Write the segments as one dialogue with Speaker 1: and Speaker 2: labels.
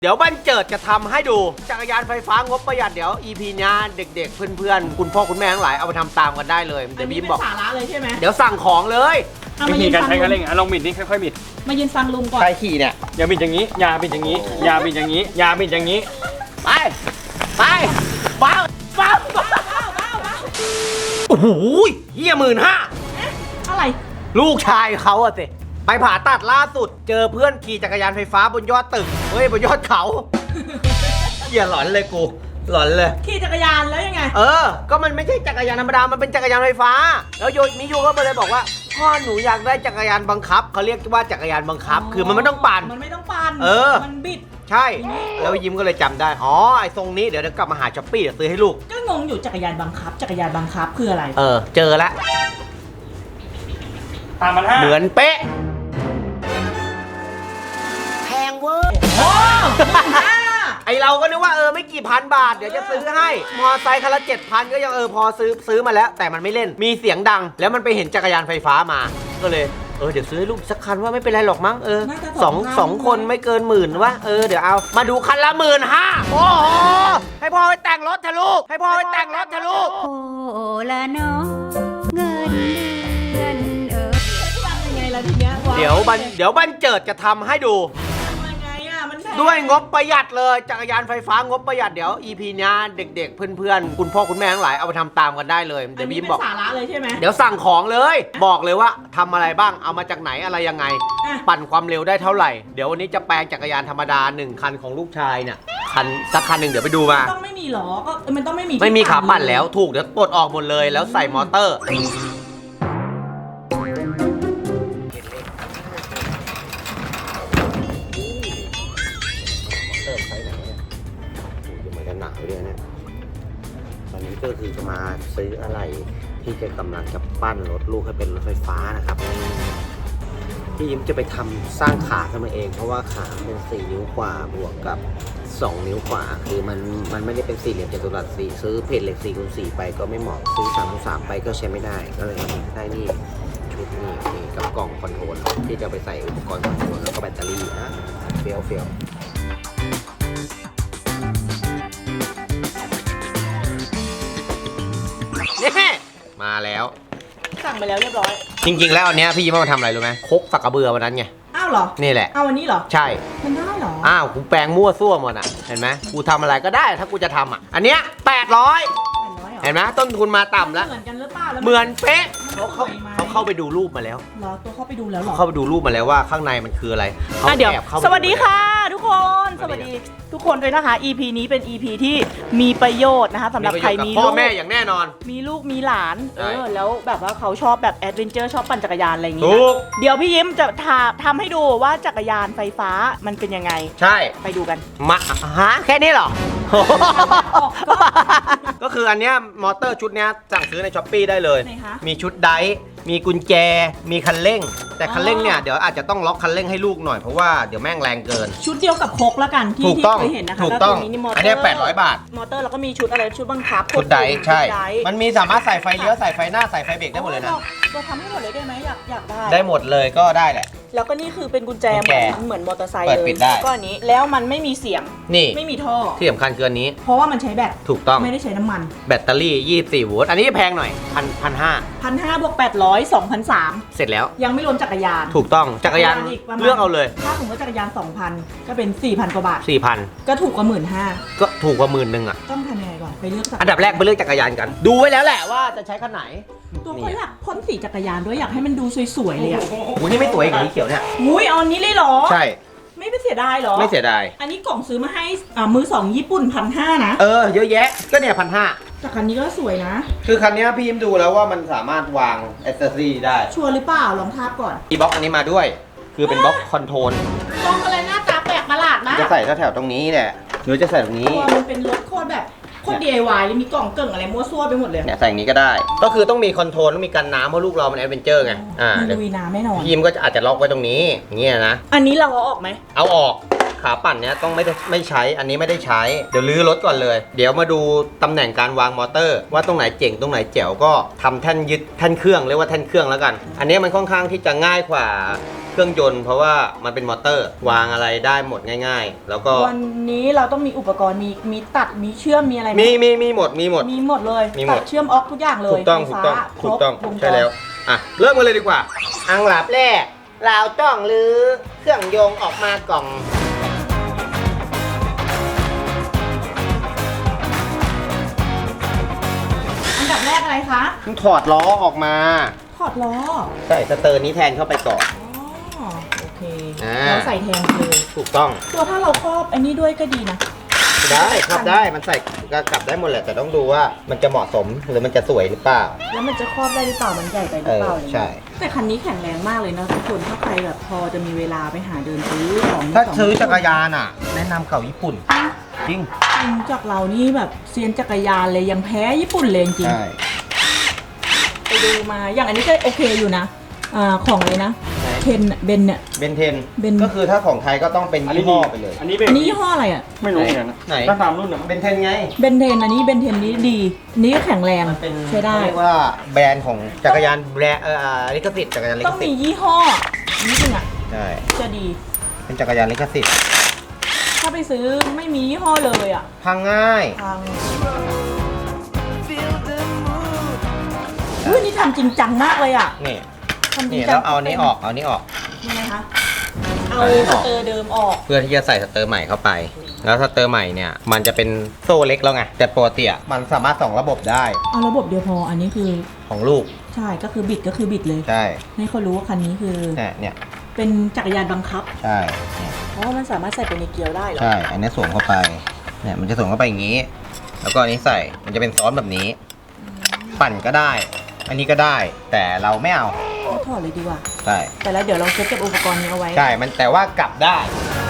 Speaker 1: เดี๋ยวบันเจิดจะทำให้ดูจักรยานไฟฟ้างบประหยัดเดี๋ยว EP นี้เด็กๆเพื่อนๆคุณพ่อคุณแม่ทั้งหลายเอาไปทำตามกันได้เลยเดี๋ยวพี่บอก
Speaker 2: สาระเลยใช่ไหม
Speaker 1: เดี๋ยวสั่งของเลย
Speaker 3: วิธีการใช้คันเร่งลองบิดนี่ค่อยๆบิด
Speaker 2: มายืนฟังลุงก่อน
Speaker 1: ใครขี่เนี่ย
Speaker 3: อย่าบิดอย่างนี้อย่าบิดอย่างนี้อย่าบิดอย่างนี้อย่าบิดอย่างนี้
Speaker 1: ไปบ้าโอ้โหเหี้ย15,000
Speaker 2: อะไร
Speaker 1: ลูกชายเขาอะสิไปผ่าตัดล่าสุดเจอเพื่อนขี่จักรยานไฟฟ้าบนยอดตึกเฮ้ยบนยอดเขาเหี้ยหลอนเลยกูหลอนเลย
Speaker 2: ขี่จักรยานแล้วยังไง
Speaker 1: ก็มันไม่ใช่จักรยานธรรมดามันเป็นจักรยานไฟฟ้าแล้วมิยูก็เลยบอกว่าพ่อหนูอยากได้จักรยานบังคับเขาเรียกว่าจักรยานบังคับคือมันไม่ต้องปั่น
Speaker 2: มันไม่ต้องปั่นมันบิด
Speaker 1: ใช่แล้วยิ้มก็เลยจำได้อ๋อไอ้ทรงนี้เดี๋ยวกลับมาหาช้อปปี้เดี๋ยวซื้อให้ลูก
Speaker 2: ก็งงอยู่จักรยานบังคับคืออะไร
Speaker 1: เจอแล้ว
Speaker 3: 3,500
Speaker 1: เหมือนเป๊ะแพงเวอร์ไอเราก็นึกว่าไม่กี่พันบาทเดี๋ยวจะซื้อให้มอไซค์คันละ 7,000 ก็ยังพอซื้อมาแล้วแต่มันไม่เล่นมีเสียงดังแล้วมันไปเห็นจักรยานไฟฟ้ามาก็เลยเดี๋ยวซื้อให้ลูกสักคันว่าไม่เป็นไรหรอกมั้งสองคนไม่เกิน10,000วะเดี๋ยวเอามาดูคันละ 15,000โอ้โหให้พ่อไปแต่งรถเถอะลูกให้พ่อไปแต่งรถเถอะลูก
Speaker 4: โอ้ละน้องเงินเดือน
Speaker 2: ยังไงล่ะทีเนี้ย
Speaker 1: เดี๋ยวบันเจิดจะทำให้ดูด้วยงบประหยัดเลยจักรยานไฟฟ้างบประหยัดเดี๋ยว EP นี้เด็กๆเพื่อนๆคุณพ่อคุณแม่ทั้งหลายเอาไปทำตามกันได้เลยเดี๋ยวพี่บอก
Speaker 2: สาระเลยใช่ไหม
Speaker 1: เดี๋ยวสั่งของเลยบอกเลยว่าทำอะไรบ้างเอามาจากไหนอะไรยังไงปั่นความเร็วได้เท่าไหร่เดี๋ยววันนี้จะแปลงจักรยานธรรมดา1 คันของลูกชายเนี่ยสักคันหนึ่งเดี๋ยวไปดูมา
Speaker 2: ต้องไม่มีหรอก็มันต้อง
Speaker 1: ไม่มีขาปั่นแล้วถูกเดี๋ยวปลดออกหมดเลยแล้วใส่มอเตอร์หนักเลยนะตอนนี้ก็คือจะมาซื้ออะไรที่จะกำลังจะปั้นรถลูกให้เป็นรถไฟฟ้านะครับพี่ยิ้มจะไปทำสร้างขาขึ้นมาเองเพราะว่าขาเป็น4 นิ้วกว่าบวกกับ2 นิ้วกว่าคือมันไม่ได้เป็น4 เหลี่ยมจัตุรัส4ซื้อเพจเหล็ก4 คูณ 4ไปก็ไม่เหมาะซื้อ3 คูณ 3ไปก็ใช้ไม่ได้ก็เลยได้นี่ชุดนี่กับกล่องคอนโทรลที่จะไปใส่อุปกรณ์คอนโทรลแล้วก็แบตเตอรี่นะเฟี้ยวมาแล้ว
Speaker 2: สั่งไปแล้วเรียบร้อย
Speaker 1: จริงๆแล้วอันเนี้ยพี่ยิ้มมาทำอะไรรู้ไหมคกสักกระเบือวันนั้นไง
Speaker 2: อ้าวเหรอ
Speaker 1: นี่แหละ
Speaker 2: เอาวันนี้เหรอ
Speaker 1: ใช่
Speaker 2: มันได้เหรอ
Speaker 1: กูแปลงมั่วซั่วหมดอ่ะเห็นไหมกูทำอะไรก็ได้ถ้ากูจะทำอันเนี้ย800เห็นไหมต้นทุนมาต่ำแล้ว
Speaker 2: เหมือนกันหรือเปล่า
Speaker 1: เหมือนเป๊ะเขาเข้าไปดูรูปมาแล้ว
Speaker 2: ตัวเข้าไปดูแล้วหรอ
Speaker 1: เข้าไปดูรูปมาแล้วว่าข้างในมันคืออะไร
Speaker 2: เดี๋ยวสวัสดีค่ะทุกคนสวัสดีทุกคนด้วยนะคะ EP นี้เป็น EP ที่มีประโยชน์นะคะสำหรับใครมี
Speaker 1: พ่อแม่อย่างแน่นอน
Speaker 2: มีลูกมีหลานแล้วแบบว่าเขาชอบแบบแอดเวนเจอร์ชอบปั่นจักรยานอะไรอย่างงี้เดี๋ยวพี่ยิ้มจะทำให้ดูว่าจักรยานไฟฟ้ามันเป็นยังไง
Speaker 1: ใช่
Speaker 2: ไปดูกัน
Speaker 1: มาแค่นี้เหรอก็คืออันเนี้ยมอเตอร์ชุดเนี้ยสั่งซื้อในช้อปปี้ได้เลยมีชุดไดร์มีกุญแจมีคันเร่งแต่คันเร่งเนี่ยเดี๋ยวอาจจะต้องล็อกคันเร่งให้ลูกหน่อยเพราะว่าเดี๋ยวแม่งแรงเกิน
Speaker 2: ชุดเดียวกับโคกแล้วกันที่เคยเห็นนะคะ
Speaker 1: ถูกต้องอันนี้800 บาท
Speaker 2: มอเตอร์แล้วก็มีชุดอะไรชุดบังคับ
Speaker 1: ชุดไดร์ใช่มันมีสามารถใส่ไฟเลี้ยวใส่ไฟหน้าใส่ไฟเบรกได้หมดเลยนะ
Speaker 2: เราทำให้หมดเลยได้ไหมอยาก
Speaker 1: ได้หมดเลยก็ได้แหละ
Speaker 2: แล้วก็นี่คือเป็นกุญแจเหมือนมอเตอร์ไซค์
Speaker 1: เลย
Speaker 2: ก็อันนี้แล้วมันไม่มีเสียง
Speaker 1: นี่
Speaker 2: ไม่มีท่อ
Speaker 1: ที่สำคัญคืออันนี้
Speaker 2: เพราะว่ามันใช้แบต
Speaker 1: ถูกต้อง
Speaker 2: ไม่ได้ใช้น้ำมัน
Speaker 1: แบตเตอรี่24 โวลต์อันนี้แพงหน่อย1,500
Speaker 2: บวก800 2,300
Speaker 1: เสร็จแล้ว
Speaker 2: ยังไม่รวมจักรยาน
Speaker 1: ถูกต้องจักรยานเลือกเอาเลย
Speaker 2: ถ้าสมมติจักรยาน 2,000 ก็เป็น 4,000 กว่าบาท
Speaker 1: 4,000
Speaker 2: ก็ถูกกว่า 15,000
Speaker 1: ก็ถูกกว่า10,000อ่ะ
Speaker 2: ต้องทำยังไงก่อนไปเลือก
Speaker 1: อันดับแรกไปเลือกจักรยานกันดูไว้แล้วแหละว่าจะใช้คันไหน
Speaker 2: ตัวเขาอยากพ่นสีจักรยานด้วยอยากให้มันดูสวยๆเลยอ่ะ
Speaker 1: นี่ไม่สวยอย่างนี้เขียวเนี่ย
Speaker 2: เอาอันนี้เลยเหรอ
Speaker 1: ใช่
Speaker 2: ไม่เสียดายเหรอ
Speaker 1: ไม่เสียดาย
Speaker 2: อันนี้กล่องซื้อมาให้มือ2ญี่ปุ่น 1,500 นะ
Speaker 1: เยอะแยะก็เนี่ย 1,500
Speaker 2: แต่คันนี้ก็สวยนะ
Speaker 1: คือคันนี้พี่ยิ้มดูแล้วว่ามันสามารถวางแอคเซสซอรี่ได้
Speaker 2: ชัวร์หรือเปล่าลองทาบก่อน
Speaker 1: มีบล็อกอันนี้มาด้วยคือเป็นบล็อกคอนโทรล
Speaker 2: กล่องอะไรหน้าตาแปลกประหลาดนะ
Speaker 1: จะใส่แถวตรงนี้แหละหรือจะใส่ตรงนี้
Speaker 2: มันเป็นรถโคตรแบบโคตร DIY เลยมีกล่องเกิ่งอะไรมั่วซั่วไปหมดเลย
Speaker 1: เนี่ยใส่อย่างนี้ก็ได้ก็คือต้องมีคอนโทรลต้องมีกันน้ำเพราะลูกเรามันแอดเวนเจอร์ไง
Speaker 2: มันลุยน้ำแน่นอน
Speaker 1: พิมก็อาจจะล็อกไว้ตรงนี้อย่างเงี้ยนะ
Speaker 2: อันนี้เราเอาออกไหม
Speaker 1: เอาออกขาปั่นเนี้ยต้องไม่ใช้อันนี้ไม่ได้ใช้เดี๋ยวลื้อรถก่อนเลยเดี๋ยวมาดูตำแหน่งการวางมอเตอร์ว่าตรงไหนเจ๋งตรงไหนแจ๋วก็ทำแท่นยึดแท่นเครื่องเรียกว่าแท่นเครื่องแล้วกันอันนี้มันค่อนข้างที่จะง่ายกว่าเครื่องยนต์เพราะว่ามันเป็นมอเตอร์วางอะไรได้หมดง่ายๆ แล้วก็
Speaker 2: วันนี้เราต้องมีอุปกรณ์มีตัดมีเชื่อมมีอะไรไห
Speaker 1: มีหมด
Speaker 2: มีหมดเลย
Speaker 1: มีหมด
Speaker 2: ตัดเชื่อมออกทุกอย่างเลย
Speaker 1: ถูกต้อง
Speaker 2: ไฟ
Speaker 1: ถูก
Speaker 2: ฟ้า
Speaker 1: ต้อง
Speaker 2: ครบวงจร
Speaker 1: ใช่แล้วอ่ะเริ่มกันเลยดีกว่า อังหลับแรกเราต้องรื้อเครื่องยนต์ออกมากล่อง
Speaker 2: อันดับแรกอะไรคะ
Speaker 1: ต้องถอดล้อออกมา
Speaker 2: ถอดล้อ
Speaker 1: ใช่สเตอร์นี้แทนเข้าไปก่อน
Speaker 2: อ๋อโอเค
Speaker 1: อ่า
Speaker 2: เราใส่แทนเลย
Speaker 1: ถูกต้อง
Speaker 2: ตัวถ้าเราครอบอันนี้ด้วยก็ดีนะ
Speaker 1: ได้ครับได้มันใส่ก็กลับได้หมดแหละแต่ต้องดูว่ามันจะเหมาะสมหรือมันจะสวยหรือเปล่า
Speaker 2: แล้วมันจะครอบได้หรือเปล่ามันใหญ่ไปหรือเปล่าอะไรเงี้ย
Speaker 1: ใช่
Speaker 2: แต่คันนี้แข็งแรงมากเลยนะทุกคนถ้าใครแบบพอจะมีเวลาไปหาเดินซื้อของ
Speaker 1: ถ้าซื้อจักรยานอ่ะ แนะนำเก่าญี่ปุ่น จริง
Speaker 2: จริงจากเรานี่แบบเซียนจักรยานเลยยังแพ้ญี่ปุ่นเลยจริง
Speaker 1: ใช่
Speaker 2: ไปดูมาอย่างอันนี้ก็โอเคอยู่นะของอะไรนะเทนเบนเนี่ย
Speaker 1: เบนเทน
Speaker 2: Ben
Speaker 1: ก็คือถ้าของไทยก็ต้องเป็นยี่ห้อไปเลย
Speaker 3: อันนี้เป็น
Speaker 2: อันนี้ยี่ห้ออะไรอ่ะ
Speaker 3: ไม่รู้เหมือนกันนะ
Speaker 1: ไหน
Speaker 3: ถ้าตามรุ่นนะ
Speaker 1: เบนเทนไง
Speaker 2: เบนเทนอันนี้เบนเทนนี้ดีอันนี้ก็แข็งแรง
Speaker 1: มันเป็น
Speaker 2: ใช้ได้
Speaker 1: เรียกว่าแบรนด์ของจักรยานแบรนด์ลิขสิทธิ์จักรยานลิ
Speaker 2: ต้
Speaker 1: ข
Speaker 2: อง
Speaker 1: สิ
Speaker 2: มี
Speaker 1: ทธิ์
Speaker 2: ยี่ห้อนิดนึงอ่ะ
Speaker 1: ใช่
Speaker 2: จะดี
Speaker 1: เป็นจักรยานลิขสิทธิ์
Speaker 2: ถ้าไปซื้อไม่มียี่ห้อเลยอ่ะ
Speaker 1: พังง่าย
Speaker 2: พังอุ้ยนี่ทำจริงจังมากเลยอ่ะ
Speaker 1: นี่
Speaker 2: ทำจริ
Speaker 1: นี่
Speaker 2: งจั
Speaker 1: แล้วเอาอันนี้ออกเอาอันนี้ออก
Speaker 2: ยังไงคะเอา
Speaker 1: อันนี้อ
Speaker 2: ส
Speaker 1: อก
Speaker 2: เตอร์เดิมออก
Speaker 1: เพื่อที่จะใส่สเตอร์ใหม่เข้าไป แล้วสเตอร์ใหม่เนี่ยมันจะเป็นโซ่เล็กแล้วไงแต่ปกติอะมันสามารถส่องระบบได้
Speaker 2: เอาระบบเดียวพออันนี้คือ
Speaker 1: ของลูก
Speaker 2: ใช่ก็คือบิดก็คือบิดเลย
Speaker 1: ใช่
Speaker 2: ให้เขารู้ว่าคันนี้คือ
Speaker 1: เนี่ย
Speaker 2: เป็นจักรยานบังคับ
Speaker 1: ใช่เนี่ย
Speaker 2: เพราะว่ามันสามารถใส่ไปในเกียร์ได้เหรอ
Speaker 1: ใช่อันนี้สวมเข้าไปเนี่ยมันจะสวมเข้าไปอย่างนี้ แล้วก็อันนี้ใส่มันจะเป็นซ้อนแบบนี้ ปั่นก็ได้ อันนี้ก็ได้ แต่เราไม่เอา
Speaker 2: เอาถอดเลยดีกว่า
Speaker 1: ใช่
Speaker 2: แต่แล้วเดี๋ยวเราเซ็ตกับอุปกรณ์นี้เอาไว้
Speaker 1: ใช่มันแต่ว่ากลับได้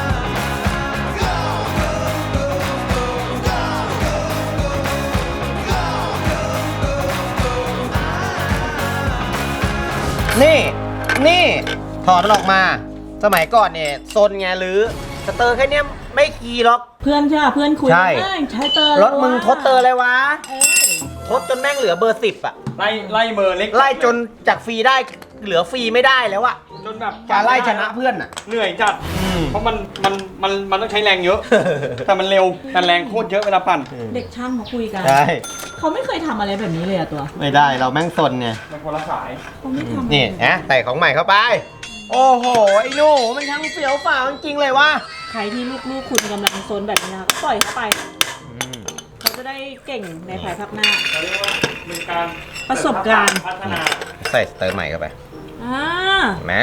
Speaker 1: นี่ถอดมันออกมา สมัยก่อนเนี่ยโซนไงหรือสเตอร์แค่เนี้ยไม่ขี่หรอก
Speaker 2: เพื่อนใช่ป่ะเพื่อนคุย
Speaker 1: ใช่
Speaker 2: ใช้เตอร์
Speaker 1: รถมึงทดเตอร์อะไรวะ
Speaker 2: เอ้ย
Speaker 1: ทดจนแม่งเหลือเบอร์ 10 อ่ะ
Speaker 3: ไล่เบอร์เล็ก
Speaker 1: ไล่จนจากฟรีได้เหลือฟรีไม่ได้แล้วอะ
Speaker 3: จนแบบ
Speaker 1: การไล่ชนะเพื่อนอ่ะ
Speaker 3: เหนื่อยจัด เพราะมันต้องใช้แรงเยอะ แต่มันเร็วแต่แรงโคตรเยอะเวลาปั่น
Speaker 2: เด็กช่างเขาคุยกัน
Speaker 1: ใช่
Speaker 2: เขาไม่เคยทำอะไรแบบนี้เลยอะตัว
Speaker 1: ไม่ได้เราแม่งซนไง
Speaker 3: มันคนละสาย
Speaker 2: เขาไม่ทำ
Speaker 1: นี่นะใส่ของใหม่เข้าไป โอ้โห ไอ้หนูมันทั้งเสียวฝ่าจริงๆเลยวะ
Speaker 2: ใครที่ลูกๆคุณกำลังโซนแบบนี้นะก็ปล่อยเข้าไปเขาจะได้เก่งในภายภาคหน้า
Speaker 3: เราเรียกว่าเป็นการ
Speaker 2: ประสบการณ์
Speaker 3: พัฒนา
Speaker 1: ใส่สเตอร์ใหม่เข้าไป
Speaker 2: อ่า
Speaker 1: เห็นไหม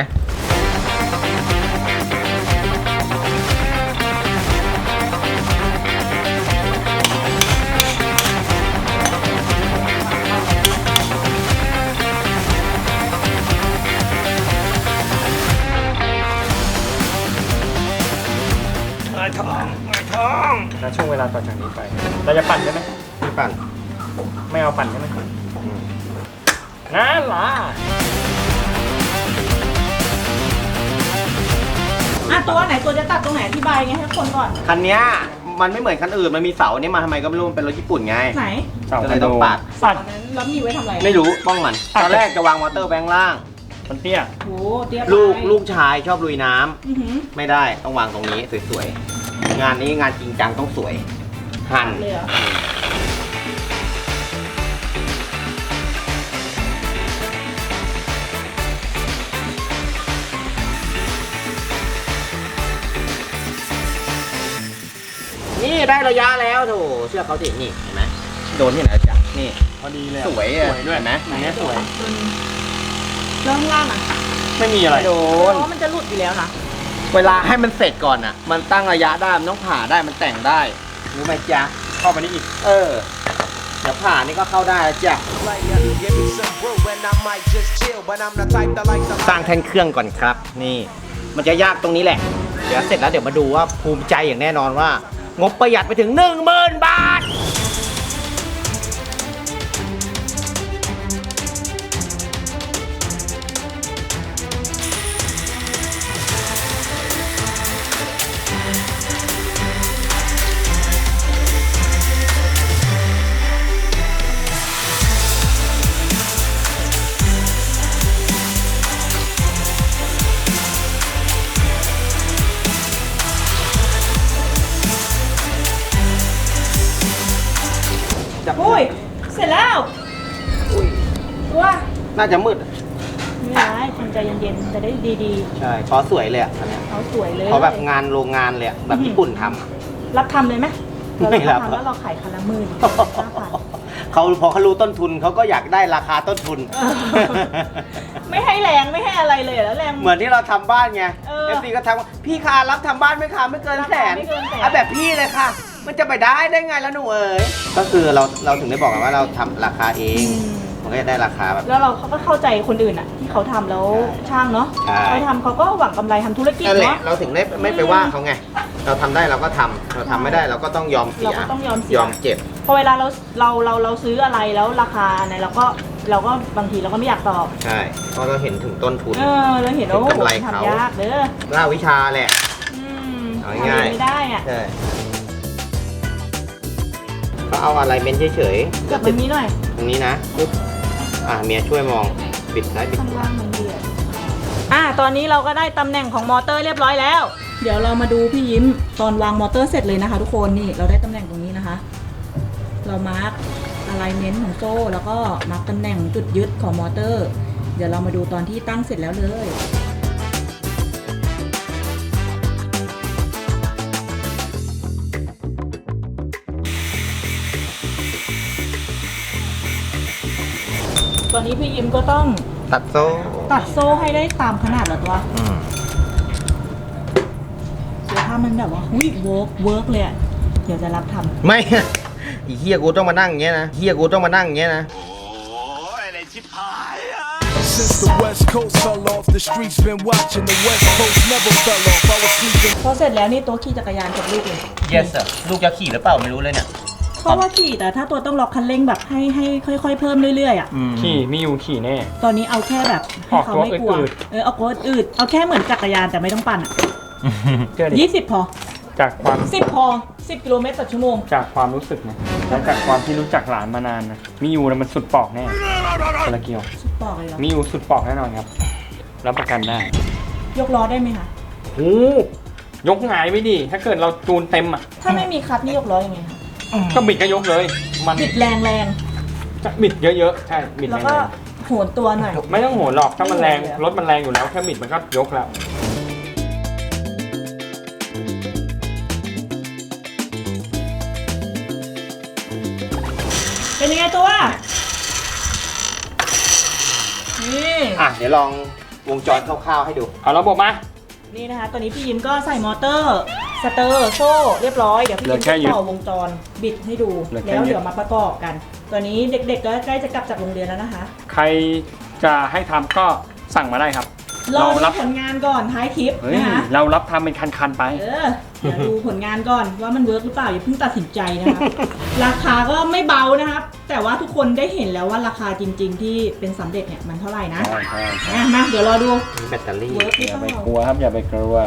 Speaker 1: ท้อง
Speaker 3: แล้วช่วงเวลาต่อจากนี้ไป เราจะปั่นใช่ไหม
Speaker 1: พี่ปั่น
Speaker 3: ไม่เอาปั่นใช่ไหมนั่นล่ะ
Speaker 2: อ่ะตัวไหนตัวจะตัดตรงไหนอธิบายไงให้คนก่อน
Speaker 1: คันเนี้ยมันไม่เหมือนคันอื่น มันมีเสานี่มาทำไมก็ไม่รู้ มันเป็นรถญี่ปุ่นไง
Speaker 2: ไหน
Speaker 1: ก็เลยต้องปัด
Speaker 3: ปั่น
Speaker 2: ตอนนั้นแล้วมีไว้ทำอะไร
Speaker 1: ไม่รู้ป้องมัน ตอนแรกจะวางมอเตอร์แบงค์ล่าง
Speaker 3: มันเตี้ย
Speaker 2: โหเตี้ยไป
Speaker 1: ลูกชายชอบลุยน้ำ
Speaker 2: อื้อหือ
Speaker 1: ไม่ได้ต้องวางตรงนี้สวยๆ งานนี้งานจริงจังต้องสวย หั่น
Speaker 2: เลยเหรอ
Speaker 1: นี่ได้ระยะแล้วโถเชื่อเขาสินี่เห็นไหมโดนที่ไหนจ๊ะนี่
Speaker 3: พอดีเลย
Speaker 1: สวยอ่ะ
Speaker 3: สวยด้วย
Speaker 1: เห็นไหม
Speaker 3: อันนี้สวย
Speaker 2: เริ่มล่างอ่ะ
Speaker 3: ไม่มีอะไร
Speaker 1: โด
Speaker 2: เพ
Speaker 1: น
Speaker 2: ราะว่ามันจะหลุดอยู่แล้วนะ
Speaker 1: เวลาให้มันเสร็จก่อนอ่ะ มันตั้งระยะได้มันต้องผ่าได้มันแต่งได้รู้ไหมจ๊ะ
Speaker 3: เข้าไปนี่อีก
Speaker 1: เออเดี๋ยวผ่านี่ก็เข้าได้แล้วจ้ะสร้างแท่นเครื่องก่อนครับ นี่ มันจะยากตรงนี้แหละ เดี๋ยวเสร็จแล้วเดี๋ยวมาดูว่าภูมิใจอย่างแน่นอนว่า งบประหยัดไปถึง 10,000 บาทจับ
Speaker 2: อุ้ยเสร็จแล้วตัว
Speaker 1: น่าจะมืด
Speaker 2: ไม่เป็นไรทำใจเย็นๆจะได้ดี
Speaker 1: ใช่ขอสวยเลยอ่ะอันเนี้ย
Speaker 2: ๆเขาสวยเลย
Speaker 1: ขอแบบงานโรงงานเลยอะแบบญี่ปุ่นทำอะ
Speaker 2: รับทำเลยไหม
Speaker 1: ไม่รับ
Speaker 2: ทำแล้วเราขายคันละหมื่น
Speaker 1: เขาพอเขารู้ต้นทุนเขาก็อยากได้ราคาต้นทุน
Speaker 2: ไม่ให้แรงไม่ให้อะไรเลยแล้วแรง
Speaker 1: เหมือนที่เราทำบ้านไง
Speaker 2: เออ
Speaker 1: ซีก็ทักว่าพี่คะรับทำบ้านไหมคะไม่เกินแสน
Speaker 2: ไม่เกินแสน
Speaker 1: เอาแบบพี่เลยค่ะ มันจะไปได้ไงแล้วหนูเอ๋ยก็คือเราถึงได้บอกกันว่าเราทำราคาเอง มันก็จะได้ราคาแบบ
Speaker 2: แล้วเราเขาก็เข้าใจคนอื่นอ่ะ ที่เขาทำแล้วช่างเนาะ
Speaker 1: ใช่
Speaker 2: เขาทำเขาก็หวังกำไรทำธุรกิจ
Speaker 1: นั่นแหละ
Speaker 2: เนาะ
Speaker 1: เราถึงได้ไม่ไปว่าเขาไง เราทำได้เราก็ทำเราทำไม่ได้เราก็ต้องยอมเสีย
Speaker 2: เราก็ต้องยอมเสีย
Speaker 1: ยอมเจ็บ
Speaker 2: พอเวลาเราซื้ออะไรแล้วราคาเนี่ยเราก็บางทีเราก็ไม่อยากตอบ
Speaker 1: ใช่เพราะเราเห็นถึงต้นทุน
Speaker 2: เราเห็นว่า
Speaker 1: เห็นกำไร
Speaker 2: โอ้โห
Speaker 1: เขา
Speaker 2: ทำยากเด้อ
Speaker 1: ล่าวิชาแหละ
Speaker 2: อืม
Speaker 1: เอาง่ายๆ
Speaker 2: ทำไม่ได้อ่ะ
Speaker 1: ใช่ก็เอาอะไรเม้นเฉยๆ
Speaker 2: จับตรงนี้หน่อย
Speaker 1: ตรงนี้นะปุ๊บเมียช่วยมองบิดซ้ายบิด
Speaker 2: ข้าง
Speaker 1: ขวา
Speaker 2: ล่างมันเดือดตอนนี้เราก็ได้ตำแหน่งของมอเตอร์เรียบร้อยแล้ว เดี๋ยวเรามาดูพี่ยิ้มตอนวางมอเตอร์เสร็จเลยนะคะ ทุกคนนี่เราได้ตำแหน่งตรงนี้นะคะ เรามาร์กอะไลเมนต์ของโซ่แล้วก็มาร์กตำแหน่งจุดยึดของมอเตอร์ เดี๋ยวเรามาดูตอนที่ตั้งเสร็จแล้วเลย ตอนนี้พี่ยิ้มก็ต้อง
Speaker 1: ตัดโซ่
Speaker 2: ตัดโซ่ให้ได้ตามขนาดเหรอตัวเดี๋ยวถ้ามันแบบว่าหุ้ยเวิร์กเลยอะเดี๋ยวจะรับทำ
Speaker 1: ไม่ อีเฮียกูต้องมานั่งอย่างเงี้ยนะเฮียกูต้องมานั่งอย่างเงี้ยนะ
Speaker 5: Since the West Coast fell off, the streets been watching. The West Coast never fell off. I was sleeping.
Speaker 2: พอเสร็จแล้วนี่ตัวขี่จักรยานกับลูกเลย
Speaker 1: yes sir ลูกจะขี่หรือเปล่าไม่รู้เลยเนี่ย
Speaker 2: เพราะว่าขี่แต่ถ้าตัวต้องล็อกคันเร่งแบบให้ค่อยๆเพิ่มเรื่อยๆอ่ะ
Speaker 3: ขี่มีอยู่ขี่แน่
Speaker 2: ตอนนี้เอาแค่แบบให้เขาไม่กลัว
Speaker 3: ออกตัวอืด
Speaker 2: เอาตัวอืดเอาแค่เหมือนจักรยานแต่ไม่ต้องปั่นอ่ะ
Speaker 3: เชื่อดิ
Speaker 2: 20 พอ
Speaker 3: จากความ
Speaker 2: 10 พอ 10 กิโลเมตรต่อชั่วโมง
Speaker 3: จากความรู้สึกนะและจากความที่รู้จักหลานมานานนะมีอยู่นะมันสุดปอกแน่คนละเกียว
Speaker 2: สุดปอกเลยเหรอ
Speaker 3: มีอยู่สุดปอกแน่นอนครับรับประกันได้
Speaker 2: ยกล้อได้ไหมคะ
Speaker 3: โอ้ยกหงายไม่ดี ถ้าเกิดเราจูนเต็มอ่ะ
Speaker 2: ถ้าไม่มีคัทนี่ยกล้อยังไงคะ
Speaker 3: ก็บิดก็ยกเลย มัน
Speaker 2: บิดแรง
Speaker 3: จะบิดเยอะๆใช่บิด
Speaker 2: ๆแล้ว
Speaker 3: แร
Speaker 2: ก็
Speaker 3: ง
Speaker 2: โหนตัวหน่อย
Speaker 3: ๆไม่ต้องโหนหรอกถ้ามันแรงรถมันแรงอยู่แล้วแค่บิดมันก็ยกแล้ว
Speaker 2: เป็นยังไงตัว นี่
Speaker 1: เดี๋ยวลองวงจรคร่าวๆให้ดู
Speaker 3: เอาระบบมา
Speaker 2: นี่นะคะ ตอนนี้พี่ยิ้มก็ใส่มอเตอร์ สเตอร์โซ่เรียบร้อย เดี๋ยวพี่ยิ้มจะต่อวงจรบิดให้ดู แล้วเดี๋ยวมาประกอบกัน ตอนนี้เด็กๆก็ใกล้จะกลับจากโรงเรียนแล้วนะคะ
Speaker 3: ใครจะให้ทำก็สั่งมาได้ครับ
Speaker 2: รอ
Speaker 3: เรา
Speaker 2: ดู
Speaker 3: รับ
Speaker 2: ผลงานก่อนท้ายคลิป
Speaker 3: เฮ้ย
Speaker 2: นะคะ
Speaker 3: เรารับทำเป็นคันๆไป
Speaker 2: เดี๋ยวดูผลงานก่อนว่ามันเวิร์กหรือเปล่าอย่าเพิ่งตัดสินใจนะคะ ราคาก็ไม่เบานะครับ แต่ว่าทุกคนได้เห็นแล้วว่าราคาจริง ๆ ที่เป็นสำเร็จเนี่ยมันเท่าไหร่นะ
Speaker 3: ใช่ใช่ใช่
Speaker 2: มาเดี๋ยวรอดู
Speaker 1: มีแบตเตอรี่
Speaker 2: เวิร์กหรือ
Speaker 3: อย่า
Speaker 2: เป
Speaker 3: ไป
Speaker 2: ล่าก
Speaker 3: ลัวครับอย่าไปกลัว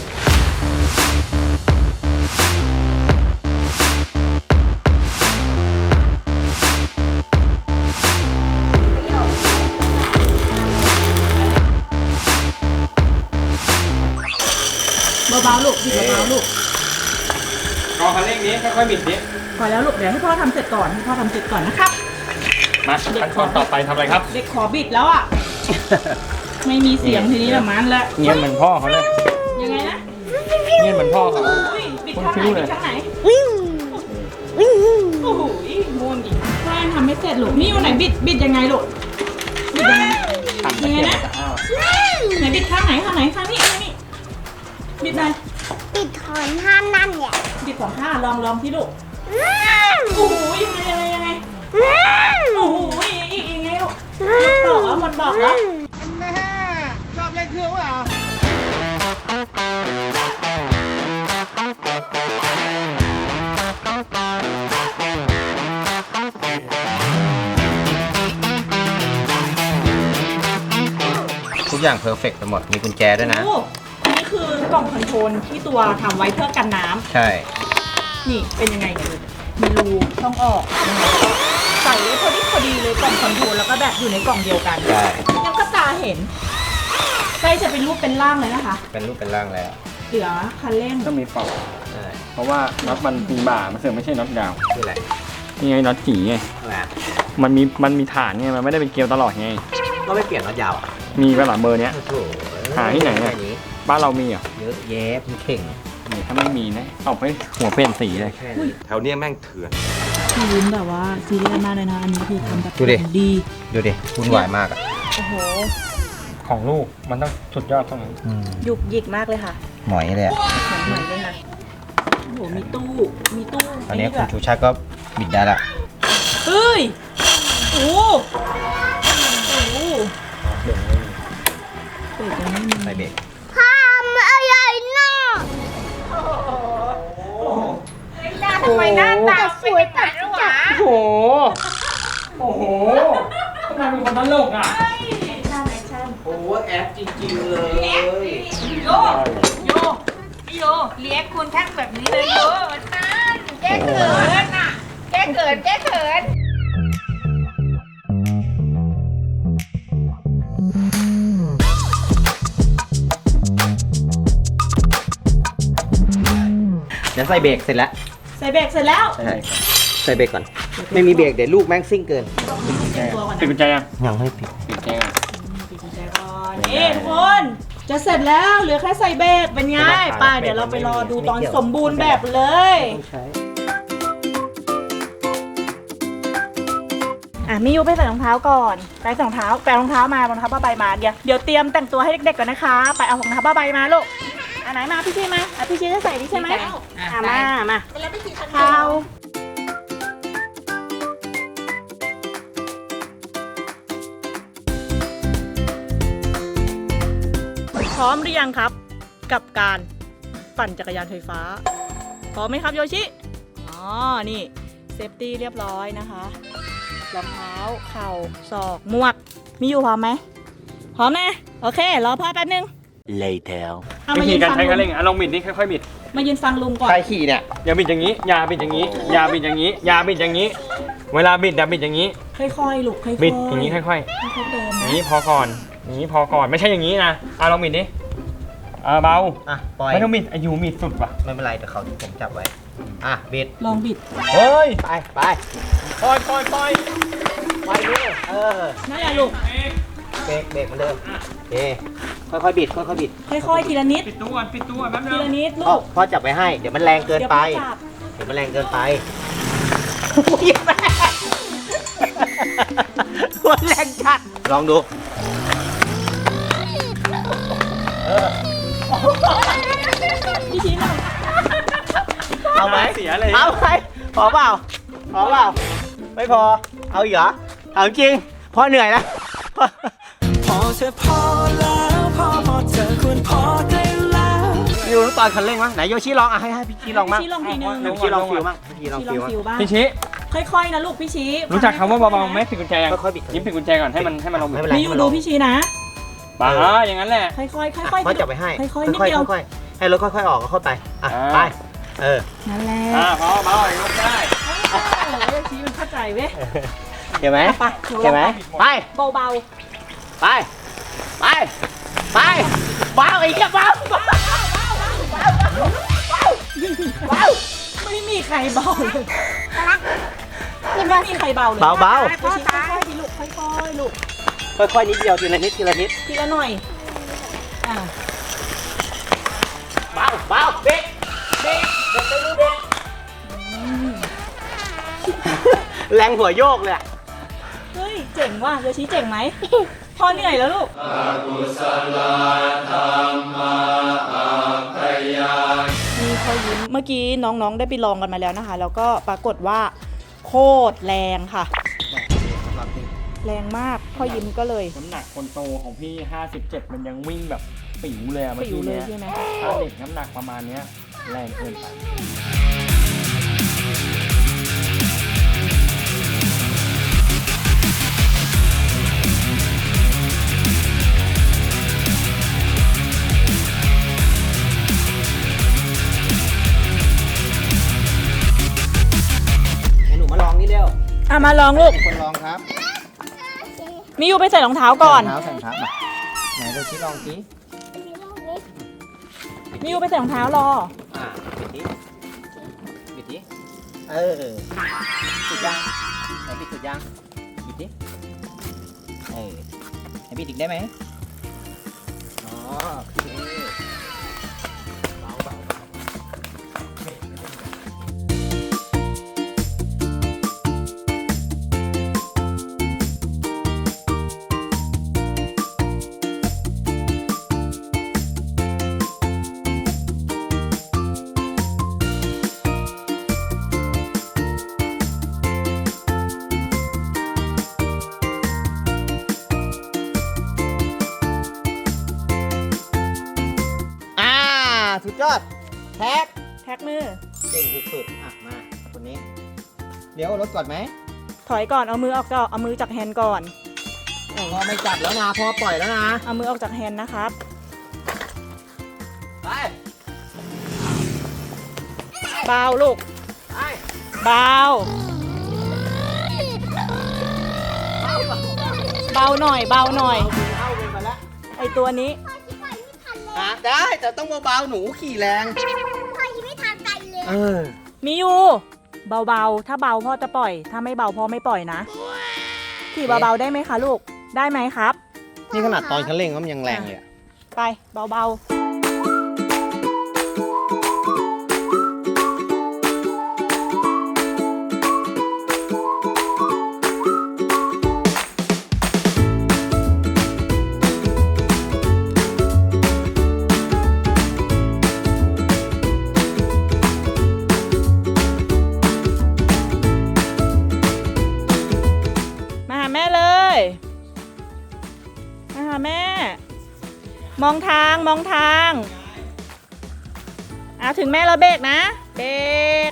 Speaker 2: เบาๆลูกบิดเบาๆลูก
Speaker 3: กองคันเร่งนี้ค่อยๆบิดนี้
Speaker 2: พอแล้วลูกเดี๋ยวให้พ่อทำเสร็จก่อนให้พ่อทำเสร็จก่อนนะครับ
Speaker 3: มาขั้นตอนต่อไปทำอะไรครับ
Speaker 2: เด็กขอบิดแล้วอ่ะ ไม่มีเสียงทีนี้แบบนั้นแหละ
Speaker 3: เงียบเหมือนพ่อเขาเลย
Speaker 2: ยังไงนะ
Speaker 3: เงียบเหมือนพ่อเขา
Speaker 2: อุ้ยบิดข้างไหน
Speaker 3: คนคิ้วเลย
Speaker 2: บิดข้างไหนโอ้โหม่วงอีกพ่อยังทำไม่เสร็จลูกนี่อยู่ไหนบิดยังไงลูกบิดยังไง
Speaker 3: ทำตะเกียบตะอ้าว
Speaker 2: ไหนบิดข้างไหนข้างนี้บิดไหน
Speaker 6: ปิดถอนห้ามนั่นเนี่ย
Speaker 2: บิดสองข้างลองที่ลูกโอ้โหยังไงโอ้โหอีกยังไงลูกบอกแล้วมันบอกแล้ว
Speaker 1: ชอบเล่นเครื่องว่ะ ทุกอย่างเพอร์เฟกต์ไปหมด มีกุญแจด้วยนะ
Speaker 2: โอ้อันนี้คือกล่องคอนโทรลที่ตัวทำไว้เพื่อกันน้ำ
Speaker 1: ใช่
Speaker 2: นี่เป็นยังไงเนี่ยมีรูช่องออกยังไงใส่ไว้พอดีเลยกล่องคอนโทรลแล้วก็แบบอยู่ในกล่องเดียวกัน
Speaker 1: ใช่
Speaker 2: ยังก็ตาเห็นใกล้จะเป็นรูปเป็นร่างเลยนะคะ
Speaker 1: เป็นรูปเป็นร่างแล้ว
Speaker 2: เหลือคันเร่ง
Speaker 3: ต้องมีเป่า
Speaker 1: ใช่
Speaker 3: เพราะว่าน็อตมันมีบ่ามันเสื่อมไม่ใช่น็อตยาว
Speaker 1: คืออะไร
Speaker 3: นี่ไงน็อตจีไง มันมีฐานไงมันไม่ได้เป็นเกลียวตลอดไง
Speaker 1: ก็ไม่เปลี่ยนน็อตยาวอ่ะ
Speaker 3: มีกระหล่ำเบอร์เนี้ย
Speaker 1: โอ้โห
Speaker 3: หาที่ไหนเนี่ย บ้านเรามีเหรอ
Speaker 1: เยอะแยะพี่เข่ง
Speaker 3: นี่ถ้าไม่มีนะเอาไปหัวเปลี่ยนสีเลย
Speaker 1: แค่นี้
Speaker 7: แถวเนี้ยแม่งเถื่อน
Speaker 2: พี่ยิ้มแบบว่าซีเรียสมากเลยนะอันนี้คือทำแบบ
Speaker 1: ดูดิ
Speaker 2: ดี
Speaker 1: ดูดิวุ่นวายมากอ่ะ
Speaker 2: โอ้โห
Speaker 3: ของลูกมันต้องสุดยอดตรงนั้น
Speaker 2: หยุกหยิกมากเลยค่ะ
Speaker 1: หมอยเลยอ่ะ
Speaker 2: เหมือนเลยค่ะโอ้โหมีตู้
Speaker 1: ตอนนี้
Speaker 2: ด้
Speaker 1: คุ
Speaker 2: ว
Speaker 1: ณ
Speaker 2: ย
Speaker 1: ชูชาติก็บิดได้ละ
Speaker 2: เฮ้ยโอ้โหโอ้โหเบรกยังไม่มี
Speaker 1: ใส่เบรก
Speaker 6: ทำอะไรน่ะทำไมหน้าตาสวยจัดจัด
Speaker 3: โอ้โห โอ้โหทำไมเป็นคนตลกอ่ะ
Speaker 1: โอ้แอปจริงๆเลย
Speaker 8: โยพี่โยเลี้ยงคุณแท่งแบบนี้เลยโยมันนั่นแก้เขินอ่ะ แก้เขิน
Speaker 1: เดี๋ยวใส่เบรกเสร็จแล้ว
Speaker 2: ใส่เบรกเสร็จแล้ว
Speaker 1: ใช่ใส่เบรกก่อน ไม่มีเบรกเดี๋ยวลูกแม่งซิ่งเกิน
Speaker 2: เตรียมตัวก่อน
Speaker 3: ปิด
Speaker 2: นะ
Speaker 3: กุญแจยัง
Speaker 1: ยังไม่ปิด
Speaker 3: ปิดกุญแจยัง
Speaker 2: ปิดกุญแจก่อนนี่ทุกคนจะเสร็จแล้วเหลือแค่ใส่เบรกเป็นไงไปเดี๋ยวเราไปรอดูตอนสมบูรณ์แบบเลย
Speaker 1: ต้องใช้
Speaker 2: มิยูไปใส่รองเท้าก่อนไปใส่รองเท้าแปลรองเท้ามารองเท้าผ้าใบมาเดี๋ยวเตรียมแต่งตัวให้เด็กๆก่อนนะคะไปเอารองเท้าผ้าใบมาลูกอันไหนมาพี่ชีมาพี่ชีจะใส่ดิใช่ไหมมาเท้าพร้อมหรือยังครับ กับการปั่นจักรยานไฟฟ้าพร้อมไหมครับโยชิอ๋อนี่เซฟตี้เรียบร้อยนะคะรองเท้าเข่าศอกหมวกมีอยู่พร้อมไหมพร้อมนะโอเครอพ่อแป๊บนึง
Speaker 1: later
Speaker 2: เอา
Speaker 3: วิ
Speaker 2: มา
Speaker 3: ธี
Speaker 2: ยืน
Speaker 3: การ
Speaker 2: ฟัง
Speaker 3: ใช้
Speaker 2: ลุ
Speaker 3: คัน
Speaker 2: ง
Speaker 3: เร่งอ่ะลองบิดนี่ค่อยๆบิด
Speaker 2: มายืนฟังลุงก่อน
Speaker 1: ใครขี่เนี่ย
Speaker 3: อย่าบิดอย่างนี้ อย่าบิดอย่างนี้ อย่าบิดอย่างนี้ อย่าบิดอย่างนี้ เวลาบิดอย่าบิดอย่างนี้
Speaker 2: ค่อยๆลูกค่อยๆ
Speaker 3: บิดอย่างนี้ค่อยๆ
Speaker 2: ค่อยๆเดิน
Speaker 3: อย่าง
Speaker 2: นะ
Speaker 3: นี้พอก่อน อย่างนี้พอก่อน ไม่ใช่อย่างนี้นะลองบิดดิเบา
Speaker 1: อ่ะปล่อย
Speaker 3: ไม่ต้องบิดอายุบิดสุดว่ะ
Speaker 1: ไม่เป็นไรเดี๋ยวเขาผมจับไว้อ่ะบิด
Speaker 2: ลองบิด
Speaker 3: เฮ้ย
Speaker 1: ไปไป
Speaker 3: ปล่อยปล่อยปล่อย
Speaker 1: ไปเลย
Speaker 2: นั่นแหละลูก
Speaker 1: เบรกเหมือนเดิมโอเคค่อยๆบิดค่อยๆบิด
Speaker 2: ค่อยๆทีละนิด
Speaker 3: ปิดตู้ก่อนปิดตู้ก่อนแป๊บนึ
Speaker 2: ที
Speaker 3: ง
Speaker 2: ละนิด
Speaker 1: พ่อ
Speaker 2: ลูก
Speaker 1: พ่อจับไว้ให้เดี๋ยวมันแรงเกิน
Speaker 2: เดี๋ยว
Speaker 1: ไป
Speaker 2: พ่อจับ
Speaker 1: เดี๋ยวมันแรงเกินไปมันแรงจัดลองดู
Speaker 2: พี่ชี้หน่อย
Speaker 1: เอาไหม
Speaker 3: เสียเลย
Speaker 1: เอาไหมพอเปล่าพอเปล่าไม่พอเอาอีกเหรอเอาจริงพ่อเหนื่อยแล้ว
Speaker 5: พอเธอพอแล้วพอเธอควรพอได้แล้ว
Speaker 1: อยู่ตอนคันเร่งมั้งไหนโยชิลองอ่ะให้พี่ชิลองมั้ง
Speaker 2: พี่ชี้ลองทีนึง
Speaker 1: พี่ชิลองฟิลมั้งพี่ชิลอง
Speaker 2: พี่ล
Speaker 1: ฟิ
Speaker 2: อ
Speaker 1: ล
Speaker 2: ง
Speaker 1: มั้ง
Speaker 2: ฟิวบ้าง
Speaker 3: พี่ชี้
Speaker 2: ค่อยๆนะลูกพี่ชี้
Speaker 3: รู้จักคำว่าเบาๆไหมปิดกุญแจยัง
Speaker 1: ค่อยๆบิด
Speaker 3: ยิ้มปิดกุญแจก่อนให้มันลง
Speaker 1: ไม่เป็นไร
Speaker 2: มีอยู่ดูพี่ชี้นะ
Speaker 3: บ้าอย่างนั้นแหละ
Speaker 2: ค่อยๆค่อยๆ
Speaker 1: พ่อจับไว้ให้
Speaker 2: ค่อยๆนิดเดียว
Speaker 1: ค่อยๆให้รถค่อยๆออกก็เข้าไปอ่ะไปเออ
Speaker 2: นั่นแหละ
Speaker 3: พอเบาๆลงได้
Speaker 2: พี่ชี้มันเข้าใจเว้ย
Speaker 1: เห็นไหม
Speaker 2: ไป
Speaker 1: เห็นไหมไป
Speaker 2: เบา
Speaker 1: ไปไปไปเบาอีกแล้วเบา
Speaker 2: ๆไม่มีใครเบาเลยไม่มีใครเบาเลย
Speaker 1: เบาเบา
Speaker 2: พี่ชี้ค่อยๆดิลูกค่อยๆลูก
Speaker 1: ค่อยๆนิดเดียวทีละนิดทีละนิด
Speaker 2: ทีละหน่อยอ่ะ
Speaker 1: เบาเบาเบรกเบรกเบรกมือเบรกแรงหัวโยกเลย
Speaker 2: เฮ้ยเจ๋งว่ะโยชิเจ๋งไหมพ่อเหนื่อยแล้วลูกมีพอยิ้มเมื่อกี้น้องๆได้ไปลองกันมาแล้วนะคะ แล้วก็ปรากฏว่าโคตรแรงค่ะ แรงมากพ่อยิ้มก็เลย
Speaker 3: น้ำหนักคนโตของพี่ 57 มันยังวิ่งแบบปิ๋วเลยเมื่อ
Speaker 2: ปิว
Speaker 3: กี้
Speaker 2: เลย
Speaker 3: เนี้ย
Speaker 2: ใช่ไหม
Speaker 3: ถ้าเด็กน้ำหนักประมาณเนี้ยแรงเกินไป
Speaker 1: ให้หนูมาลองนี่เร็ว
Speaker 2: มาลองลูก
Speaker 1: คนลองครับ
Speaker 2: มิยูไปใส่รองเท้าก่อน
Speaker 1: เท้าใส่รองเท้ามาไหนโยชิลองสิ
Speaker 2: มิยูไปใส่รองเท้ารอ
Speaker 1: บิดดิบิดดิสุดยังไหนปิดสุดยังปิดดิไหนปิดอีกได้ไหมอ๋อโอเคเบาสุดยอดแท็ก
Speaker 2: แท็กมือ
Speaker 1: เก่งสุดๆอ่ะมาคนนี้เดี๋ยวรถก่อนไหม
Speaker 2: ถอยก่อนเอามือออกจากเอามือจากแฮนด์ก่อน
Speaker 1: พอไม่จับแล้วนะพอปล่อยแล้วนะ
Speaker 2: เอามือออกจากแฮนด์นะครับ
Speaker 1: ไป
Speaker 2: เบาลูก
Speaker 1: ไป
Speaker 2: เบาเบาหน่อยเบาหน่อย
Speaker 1: เข้าไปมาแล้ว
Speaker 2: ไอตัวนี้
Speaker 1: ได้แต่ต้องเบาๆหนูขี่แรง
Speaker 6: พ่อยังไม่ทานไก่เลย
Speaker 2: มีอยู่เบาๆถ้าเบาพ่อจะปล่อย ถ้าไม่เบาพ่อไม่ปล่อยนะขี่เบาๆได้ไหมคะลูกได้ไหมครับ
Speaker 1: นี่ขนาดตอนคันเร่งก็มันยังแรงเลยอะ
Speaker 2: ไปเบาๆมาหาแม่เลยมาหาแม่ มองทางมองทางถึงแม่เราเบรกนะเบรก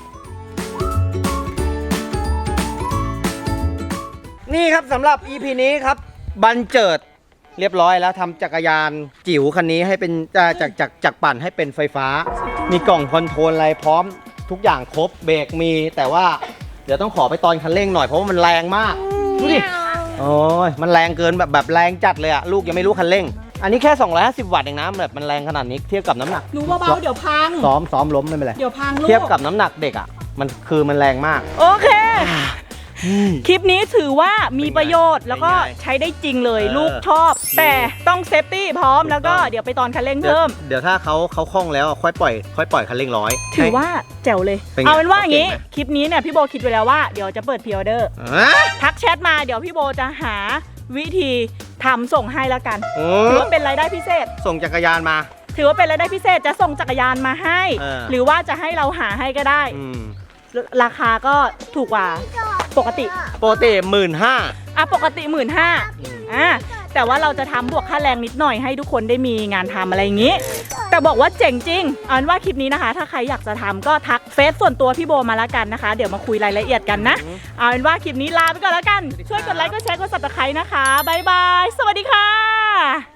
Speaker 1: นี่ครับสำหรับ EP นี้ครับบันเจิดเรียบร้อยแล้วทำจักรยานจิ๋วคันนี้ให้เป็นจากปั่นให้เป็นไฟฟ้า มีกล่องคอนโทรลอะไรพร้อมทุกอย่างครบเบรกมีแต่ว่าเดี๋ยวต้องขอไปตอนคันเร่งหน่อยเพราะว่ามันแรงมากดูดิโอ้ยมันแรงเกินแบบแรงจัดเลยอะลูกยังไม่รู้คันเร่งอันนี้แค่250 วัตต์เองนะแบบมันแรงขนาดนี้เทียบกับน้ำหนัก
Speaker 2: หนูเบาๆเดี๋ยวพัง
Speaker 1: ซ้อมล้มไม่เป็นไร
Speaker 2: เดี๋ยวพังลูก
Speaker 1: เทียบกับน้ำหนักเด็กอ่ะมันแรงมาก
Speaker 2: โอเค คลิปนี้ถือว่ามีประโยชน์แล้วก็
Speaker 1: ง่ายๆ
Speaker 2: ใช้ได้จริงเลย
Speaker 1: เออ
Speaker 2: ลูกชอบ แต่ต้องเซฟตี้พร้อมแล้วก็เดี๋ยวไปตอนคันเร่งเพิ่ม
Speaker 1: เดี๋ยวถ้าเขาคล่องแล้วค่อยปล่อยคันเร่งร้อย
Speaker 2: ถือว่าแจ๋วเลย
Speaker 1: เป็นไง
Speaker 2: เอาเป็นว่าอย่างนี้
Speaker 1: เก่งไหม
Speaker 2: คลิปนี้เนี่ยพี่โบคิดไว้แล้วว่าเดี๋ยวจะเปิดพรีออเดอร์
Speaker 1: อ่ะ
Speaker 2: ทักแชทมาเดี๋ยวพี่โบจะหาวิธีทำส่งให้แล้วกัน
Speaker 1: โอ้
Speaker 2: ถือว่าเป็นรายได้พิเศษ
Speaker 1: ส่งจักรยานมา
Speaker 2: ถือว่าเป็นรายได้พิเศษจะส่งจักรยานมาให้
Speaker 1: เออ
Speaker 2: หรือว่าจะให้เราหาให้ก็ได้
Speaker 1: อืม
Speaker 2: ราคาก็ถูกกว่าปกติ
Speaker 1: ปกติ15,000
Speaker 2: ปกติ 15,000แต่ว่าเราจะทำบวกค่าแรงนิดหน่อยให้ทุกคนได้มีงานทำอะไรอย่างนี้ แต่บอกว่าเจ๋งจริงเอาเป็นว่าคลิปนี้นะคะ ถ้าใครอยากจะทำก็ทักเฟซส่วนตัวพี่โบมาแล้วกันนะคะ เดี๋ยวมาคุยรายละเอียดกันนะ เอาเป็นว่าคลิปนี้ลาไปก่อนแล้วกัน ช่วยกดไลค์กดแชร์กด Subscribe นะคะบ๊ายบายสวัสดีค่ะ